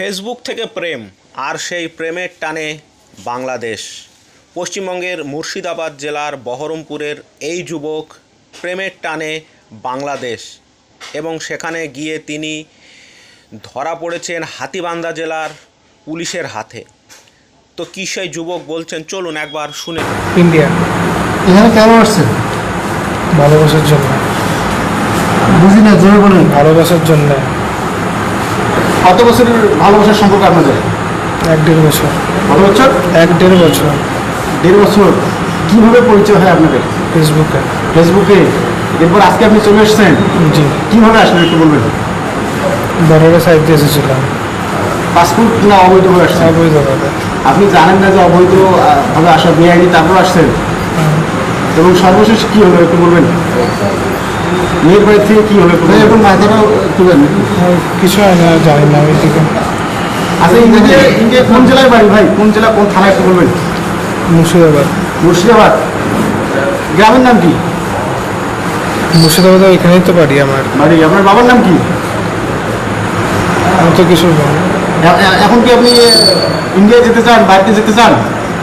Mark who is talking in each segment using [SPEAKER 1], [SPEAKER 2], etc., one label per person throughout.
[SPEAKER 1] Facebook থেকে প্রেম আর সেই প্রেমের টানে বাংলাদেশ। পশ্চিমবঙ্গের মুর্শিদাবাদ জেলার বহরমপুরের এই যুবক প্রেমের টানে বাংলাদেশ এবং সেখানে গিয়ে তিনি ধরা পড়েছেন হাতীবান্ধা জেলার পুলিশের হাতে। তো কী সেই যুবক বলছেন চলুন একবার শুনে।
[SPEAKER 2] ইন্ডিয়া।
[SPEAKER 3] এখানে কেন আসছেন?
[SPEAKER 2] ভালোবাসার জন্য।
[SPEAKER 3] বুঝি না, জোরে বলেন।
[SPEAKER 2] ভালোবাসার জন্য।
[SPEAKER 3] কত বছরের ভালোবাসার সম্পর্ক আপনাদের?
[SPEAKER 2] 1-1.5 বছর।
[SPEAKER 3] কত বছর?
[SPEAKER 2] 1-1.5 বছর।
[SPEAKER 3] 1.5 বছর। কীভাবে পরিচয় হয় আপনাদের?
[SPEAKER 2] ফেসবুকে।
[SPEAKER 3] ফেসবুকে। এরপর আজকে আপনি চলে এসেছেন,
[SPEAKER 2] জি।
[SPEAKER 3] কীভাবে আসলেন একটু বলবেন?
[SPEAKER 2] বর্ডারের সাইড দিয়ে এসেছিলাম।
[SPEAKER 3] পাসপোর্ট না অবৈধভাবে আসছেন?
[SPEAKER 2] অবৈধভাবে।
[SPEAKER 3] আপনি জানেন না যে অবৈধ ভাবে আসা বেআইনি, তারপর আসছেন? এবং সর্বশেষ কী হলো একটু বলবেন? মেয়ের বাড়ি থেকে কী হলো এবং মাথাটা তুলেন।
[SPEAKER 2] কিছু হয় না, জানি না ওই দিকে।
[SPEAKER 3] আচ্ছা, ইন্ডিয়া কোন জেলায় বাড়ি ভাই? কোন জেলা, কোন থানা একটু বলবেন?
[SPEAKER 2] মুর্শিদাবাদ।
[SPEAKER 3] মুর্শিদাবাদ। গ্রামের নাম কি?
[SPEAKER 2] মুর্শিদাবাদ এখানেই তো বাড়ি আমার।
[SPEAKER 3] বাড়ি। আপনার বাবার নাম কি?
[SPEAKER 2] আমি তো কিছু বল।
[SPEAKER 3] এখন কি আপনি ইন্ডিয়া যেতে চান, বাড়িতে যেতে চান?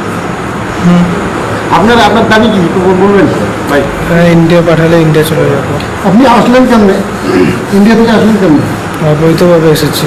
[SPEAKER 3] আপনার দাবি কি একটু বলবেন ভাই?
[SPEAKER 2] ইন্ডিয়া পাঠালে ইন্ডিয়া চলে যাবো।
[SPEAKER 3] আপনি আসলেন কেমনে? ইন্ডিয়া থেকে আসলেন কেমনে?
[SPEAKER 2] অবৈধভাবে এসেছি।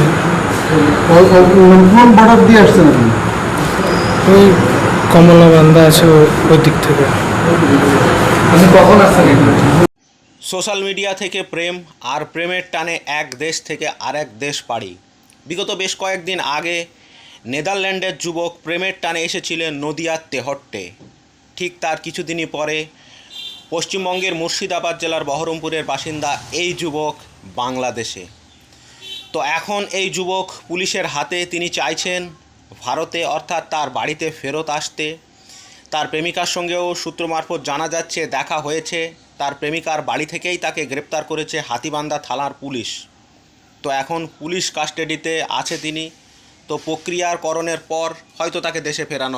[SPEAKER 3] কোন বর্ডার দিয়ে আসছেন আপনি?
[SPEAKER 2] ওই কমলাবান্ধা আছে ওই দিক থেকে।
[SPEAKER 3] আপনি কখন আসছেন?
[SPEAKER 1] সোশ্যাল মিডিয়া থেকে প্রেম আর প্রেমের টানে এক দেশ থেকে আরেক দেশ পাড়ি। বিগত বেশ কয়েকদিন আগে নেদারল্যান্ডের যুবক প্রেমের টানে এসেছিলেন নদিয়ার তেহট্টে। ঠিক তার কিছুদিনই পরে পশ্চিমবঙ্গের মুর্শিদাবাদ জেলার বহরমপুরের বাসিন্দা এই যুবক বাংলাদেশে। তো এখন এই যুবক পুলিশের হাতে। তিনি চাইছেন ভারতে অর্থাৎ তার বাড়িতে ফেরত আসতে। তার প্রেমিকার সঙ্গেও সূত্র মারফত জানা যাচ্ছে দেখা হয়েছে। তার প্রেমিকার বাড়ি থেকেই তাকে গ্রেপ্তার করেছে হাতীবান্ধা থানার পুলিশ। তো এখন পুলিশ কাস্টাডিতে আছে তিনি। তো প্রক্রিয়াকরণের পর হয়তো তাকে দেশে ফেরানো